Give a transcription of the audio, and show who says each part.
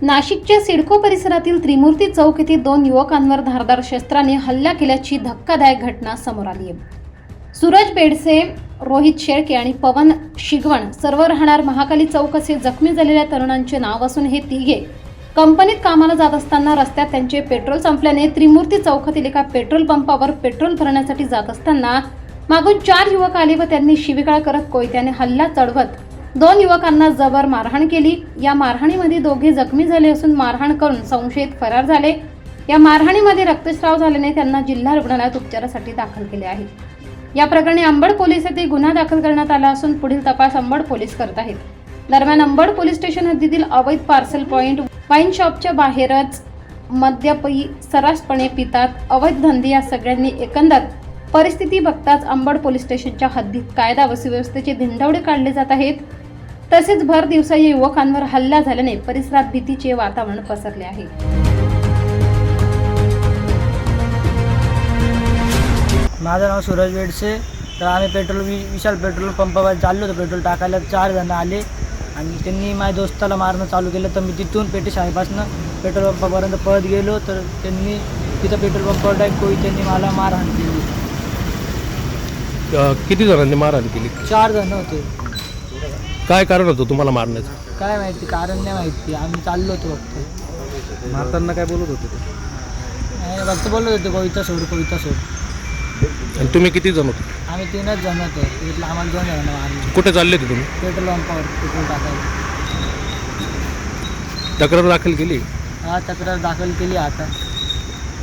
Speaker 1: नाशिकच्या सिडको परिसरातील त्रिमूर्ती चौक येथे 2 युवकांवर धारदार शस्त्राने हल्ला केल्याची धक्कादायक घटना समोर आली आहे. सूरज बेडसे, रोहित शेळके आणि पवन शिगवण सर्व राहणार महाकाली चौक असे जखमी झालेल्या तरुणांचे नाव असून हे तिघे कंपनीत कामाला जात असताना रस्त्यात त्यांचे पेट्रोल संपल्याने त्रिमूर्ती चौकातील एका पेट्रोल पंपावर पेट्रोल भरण्यासाठी जात असताना मागून 4 युवक आले व त्यांनी शिवीगाळ करत कोयत्याने हल्ला चढवत 2 युवकांना जबर मारहाण केली. या मारहाणीमध्ये दोघे जखमी झाले असून मारहाण करून संशयित फरार झाले. या मारहाणीमध्ये रक्तस्राव झाल्याने त्यांना जिल्हा रुग्णालयात उपचारासाठी दाखल केले आहे. या प्रकरणी अंबड पोलीस येथे गुन्हा दाखल करण्यात आला असून पुढील तपास अंबड पोलीस करत आहेत. दरम्यान अंबड पोलीस स्टेशन हद्दीतील अवैध पार्सल पॉइंट, वाईन शॉपच्या बाहेरच मद्यपी सर्रासपणे पितात, अवैध धंदे या सगळ्यांनी एकंदर परिस्थिती बघताच अंबड पोलीस स्टेशनच्या हद्दीत कायदा व सुव्यवस्थेचे धिंडवडे काढले जात आहेत. तसेच भर दिवसा या युवकांवर हल्ला झाल्याने परिसरात भीतीचे वातावरण पसरले आहे.
Speaker 2: माझं नाव सूरज बेडसे. तर आम्ही विशाल पेट्रोल पंपावर चाललो होतो पेट्रोल टाकायला. 4 जण आले आणि त्यांनी माझ्या दोस्ताला मारणं चालू केलं. तर मी तिथून पेटी शाळेपासून पेट्रोल पंपापर्यंत पळत गेलो. तर त्यांनी तिथं पेट्रोल पंपावर डायरेक्ट त्यांनी मला मारहाण केली.
Speaker 3: किती जणांनी मारहाण केली?
Speaker 2: 4 जण होते.
Speaker 3: काय कारण होतं तुम्हाला मारण्याचं?
Speaker 2: काय माहिती, कारण नाही माहिती. आम्ही चाललो होतो फक्त.
Speaker 3: मारताना काय बोलत होते ते?
Speaker 2: फक्त बोलत होते कविता सोड.
Speaker 3: आणि तुम्ही किती जण होते?
Speaker 2: आम्ही 3च जण होतो. तिथलं आम्हाला 2 जण मारले.
Speaker 3: कुठे चालले होते तुम्ही?
Speaker 2: पेट्रोल पंपावर पेट्रोल टाकायला.
Speaker 3: तक्रार दाखल केली?
Speaker 2: तक्रार दाखल केली आता.